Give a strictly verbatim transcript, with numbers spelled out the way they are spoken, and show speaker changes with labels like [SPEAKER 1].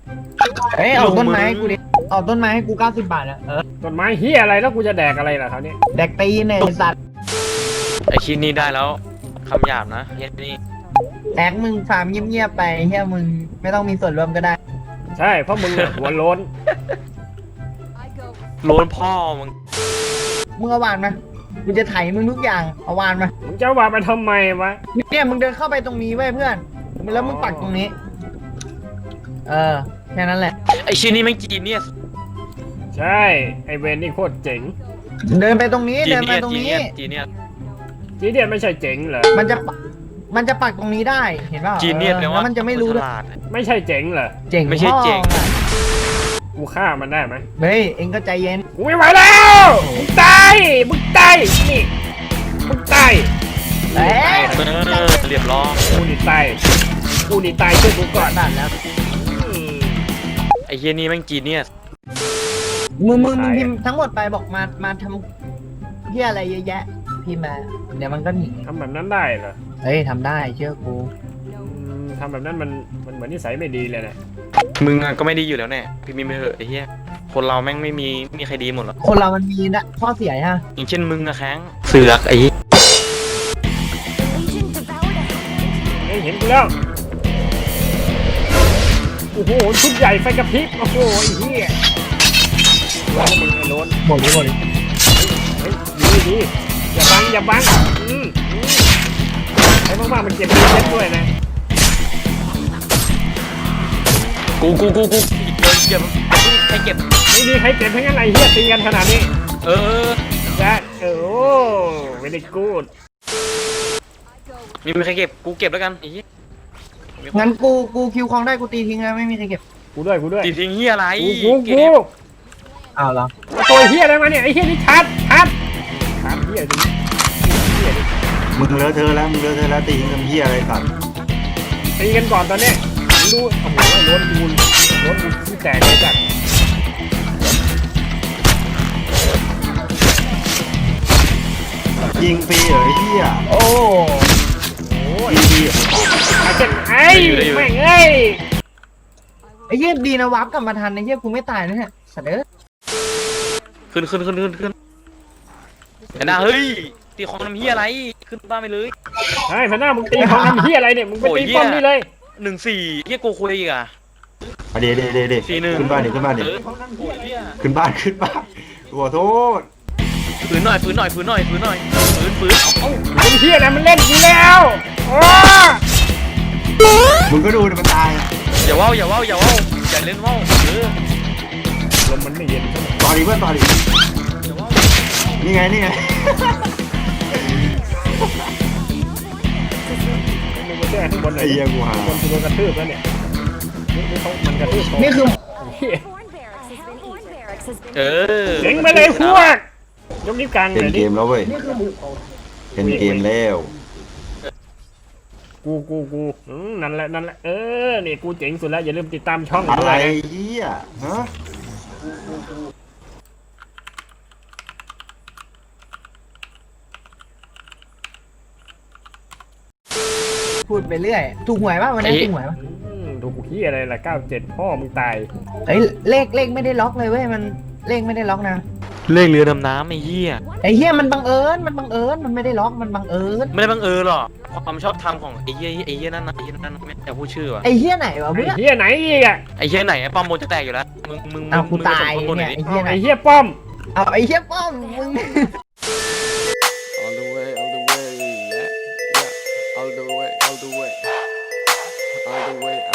[SPEAKER 1] เอ้ยเอาต้นไม้ให้กูดิเอาต้นไม้ให้กูเก้าสิบบาทอะเออ
[SPEAKER 2] ต้นไม้เฮียอะไรแล้วกูจะแดกอะไรล่ะคราวนี้
[SPEAKER 1] แดกตีนเนี่ยไอ้สัตว์
[SPEAKER 3] ไอคิดนี้ได้แล้วคำหยาบนะเฮียนี่
[SPEAKER 1] แดกมึงฟาร์มเงียบๆไปเฮียมึงไม่ต้องมีส่วนร่วมก็ได้
[SPEAKER 2] ใช่เพราะมึงอะหัวโล้น
[SPEAKER 3] โลนพ่อมึง
[SPEAKER 1] มึงเอาวานมากูจะไถมึงทุกอย่างเอาวานมา
[SPEAKER 2] มึงจะว่าไปทำไมวะ
[SPEAKER 1] เนี่ยมึงเดินเข้าไปตรงนี้เว้ยเพื่อนแล้วมึงปักตรงนี้ เออแค่นั้นแหละ
[SPEAKER 3] ไอชิ้นนี้ไม่งจีเนียส
[SPEAKER 2] ใช่ไอเวนนี่โคตรเจ๋ง
[SPEAKER 1] เดินไปตรงนี้
[SPEAKER 3] จี
[SPEAKER 1] เดิน
[SPEAKER 3] เนี
[SPEAKER 1] ไป
[SPEAKER 3] ยส
[SPEAKER 1] ตรง
[SPEAKER 3] จี
[SPEAKER 1] นี้
[SPEAKER 3] เนียสจีเนียส
[SPEAKER 2] จีเดียนไม่ใช่เจ๋งเหรอ
[SPEAKER 1] มันจะมันจะปักตรงนี้ได้เห็นป่าว
[SPEAKER 3] จีเนียส
[SPEAKER 1] ออ
[SPEAKER 3] แปล
[SPEAKER 1] แล้
[SPEAKER 3] ว่าว
[SPEAKER 1] มันจะไม่รู้
[SPEAKER 3] ฉ
[SPEAKER 1] ด้วย
[SPEAKER 3] ลาด
[SPEAKER 2] ไม่ใช่เจ๋งเหรอ
[SPEAKER 1] เจ๋ง
[SPEAKER 3] ไม่ใช่เจ๋ง
[SPEAKER 1] พ่ออะ
[SPEAKER 2] กูฆ่ามันได้ไหม
[SPEAKER 1] เฮ้ยเอ็งก็ใจเย็น
[SPEAKER 2] กูไม่ไหวแล้วมึงตายมึงตายนี่มึงตาย
[SPEAKER 1] เอ้ย
[SPEAKER 3] เออเรียบร้อย
[SPEAKER 2] กูนี่ตายกูนี่ตายช่วยกูก่อน
[SPEAKER 1] ตัดแล้ว
[SPEAKER 2] อืม
[SPEAKER 3] ไอเฮียนี่แม่งจีเนียส
[SPEAKER 1] มึงมึงมึง
[SPEAKER 2] ตาย
[SPEAKER 1] พิมพ์ทั้งหมดไปบอกมามาทำเฮียอะไรเยอะแยะพิมพ์มาเดี๋ยวมันก็หนี
[SPEAKER 2] ทำแบบนั้นได้เหรอ
[SPEAKER 1] เฮ้ยทำได้เชื่อกู
[SPEAKER 2] อืมทำแบบนั้นมันมันเหมือนนิสัยไม่ดีเลยนะ
[SPEAKER 3] มึงอะก็ไม่ดีอยู่แล้วแน่พี่มีไม่เหอะไอเฮียคนเราแม่งไม่มีไม่มีใครดีหมดหรอก
[SPEAKER 1] คนเรามันมีนะข้อเสียฮะ
[SPEAKER 3] อย่างเช่นมึงอะแข้งเสือกไอเหี้ย
[SPEAKER 2] เอ้ยเห็นกูแล้วโอ้โหชุดใหญ่ไฟกระพริบโอ้โหไอ้เหี้ยร้อนมึงไอ้โล้น
[SPEAKER 1] หมดเลยหมดเลย
[SPEAKER 2] เฮ้ยดีดีอย่าบังอย่าบังอืมอืมไอ้มากๆมันเก็บดีเซ็ตด้วยนะ
[SPEAKER 3] กูกูกูกูเดินเก็บใครเก็บ
[SPEAKER 2] ไม่มีใครเก็บทั้งนั้นไอ้เหี้ยตีกันขนาดนี้
[SPEAKER 3] เออ
[SPEAKER 2] จ้ะเออโอ้ไม่ได้กูด
[SPEAKER 3] มีมีใครเก็บกูเก็บแล้วกันไอ้เหี้ย
[SPEAKER 1] งั้นกูกูคิวคลองได้กูตีทิ้งแล้วไม่มีใครเก็บ
[SPEAKER 2] กูด้วยกูด้วย
[SPEAKER 3] ติดทิ้งเฮียอะไร
[SPEAKER 2] กูกู
[SPEAKER 3] เก็
[SPEAKER 2] กู
[SPEAKER 3] บ
[SPEAKER 1] อ้าวเหรอ
[SPEAKER 2] ตัวเหี้ยอะไรมาเนี่ยไอ้เหี้ยนี่ชัดชัดชัดเหี้ยดิเหี้ยดิ
[SPEAKER 4] มึงเลอะเทอะแล้วมึงเลอะเทอะแล้วตีทำเหี้ยอะไรสัตว์
[SPEAKER 2] ตีกันก่อนตอนเนี้ยมึงดูโอ้โหไอ้โล้นกูโล้นกูที่แตกเลยจ้ะ
[SPEAKER 4] ยิงฟรีเหรอไอ้เหี้ย
[SPEAKER 1] โอ้
[SPEAKER 2] โอ้ย
[SPEAKER 4] ยิงฟรีเหรอ
[SPEAKER 2] ไอ้เจ้าไอ้แม่งเอ้ย
[SPEAKER 1] ไอ้เหี้ยดีนะวับกลับมาทันไอ้เหี้ยกูไม่ตายนะเนี่ยสัตว์เอ้ย
[SPEAKER 3] ขึ้นขึ้นขึ้นขึ้นขึ้นไอ้หน้าเฮ้ยตีของทำเฮียอะไรขึ้นบ้านไปเลย
[SPEAKER 2] ไอ้พน้ามึงตีของทำเหี้ยอะไรเนี่ยมึงไปตีป้อมนี่เลย
[SPEAKER 3] หนึ่งสี่เฮียโกคุยอีกอ่ะ
[SPEAKER 4] อ่ะเดี๋ยวเดี๋ยวเดี๋ยวเดี๋ยว
[SPEAKER 3] สี่หนึ่ง
[SPEAKER 4] ขึ้นบ้านดิขึ้นบ้านดิ
[SPEAKER 3] เออโอ้ยเหี้ย
[SPEAKER 4] ขึ้นบ้านขึ้นบ้านขอโทษ
[SPEAKER 3] ฝืนหน่อยฝืนหน่อยฝืนหน่อยฝืนหน่อยฝืนฝืนเอาเอา
[SPEAKER 2] เป็นเหี้ยนะมันเล่นกูแล้วโอ้
[SPEAKER 4] มึงก็ดูดิมันตาย
[SPEAKER 3] อย่าว่าวอย่าว่าวอย่าว่าวอย่าเล่นว่าวเออ
[SPEAKER 2] ลมมันไม่เย็นใช่ไหม
[SPEAKER 4] ต่อดิเพื่อนต่อดิ
[SPEAKER 3] อย่าว่าว
[SPEAKER 4] นี่ไงนี่ไง
[SPEAKER 2] มึงมาแก้ข้างบนหน่อย
[SPEAKER 4] ไอ้เหี้ยกูหา
[SPEAKER 2] ข้างบนกูโดนกระทืบแล้วเนี่ยนี่นี่เขามันกระทืบเขา
[SPEAKER 1] นี่คือ
[SPEAKER 2] เหี้ย
[SPEAKER 3] เออ
[SPEAKER 2] เจ๋งไปเลยพวกยกนิ้วกลางห
[SPEAKER 4] เป็น
[SPEAKER 2] น่อย
[SPEAKER 4] เก
[SPEAKER 2] ดิ
[SPEAKER 4] มแล้วเว้ยเป็นเกมแล้ว
[SPEAKER 2] กูกูกูอืมนั่นแหละนั่นแหละเออนี่กูเจ๋งสุดแล้วอย่าลืมติดตามช่อง
[SPEAKER 4] อะ
[SPEAKER 2] ด้
[SPEAKER 4] ไร
[SPEAKER 2] วยนะ
[SPEAKER 4] เหี้ยฮะ
[SPEAKER 1] พูดไปเรื่อยถูกหวยป่ะวันนี้ถูกหวยป่ะ
[SPEAKER 2] อืมดูกูขี้ยอะไรล่ะเก้าเจ็ดพ่อมึงตาย
[SPEAKER 1] เฮ้ยเลขเลขไม่ได้ล็อกเลยเว้ยมันเลขไม่ได้ล็อกนะ
[SPEAKER 3] เลขเรือดำน้ำไอ้เหี้ย
[SPEAKER 1] ไอ้เหี้ยมันบังเอิญมันบังเอิญมันไม่ได้ล็อกมันบังเอิญ
[SPEAKER 3] ไม่ได้บังเอิญหรอกความชอบธรรมของไอ้เหี้ยไอ้เหี้ยนั่นนะไอ้เหี้ยนั่นไม่อยากพูดชื่อว่ะ
[SPEAKER 1] ไอ้เหี้ยไหนวะ
[SPEAKER 2] ไอ้
[SPEAKER 1] เพื่อน
[SPEAKER 2] เหี้ยไหนอีกอ่ะ
[SPEAKER 3] ไอ้เหี้ยไหนไอ้ป้อมโมจะแตกอยู่แล้วมึงมึง
[SPEAKER 1] เอากู
[SPEAKER 3] มึง
[SPEAKER 1] ตาย
[SPEAKER 3] ส่งข้อมูลห
[SPEAKER 1] เนี่
[SPEAKER 3] น่
[SPEAKER 1] ย
[SPEAKER 3] อยดิ
[SPEAKER 1] ไอ้เหี้ยไหน
[SPEAKER 2] ไอ้เหี้ยป้อม
[SPEAKER 1] เอาไอ้เหี้ยป้อมมึง
[SPEAKER 5] All the way, all the way, yeah, yeah. All the way, all the way, all the way,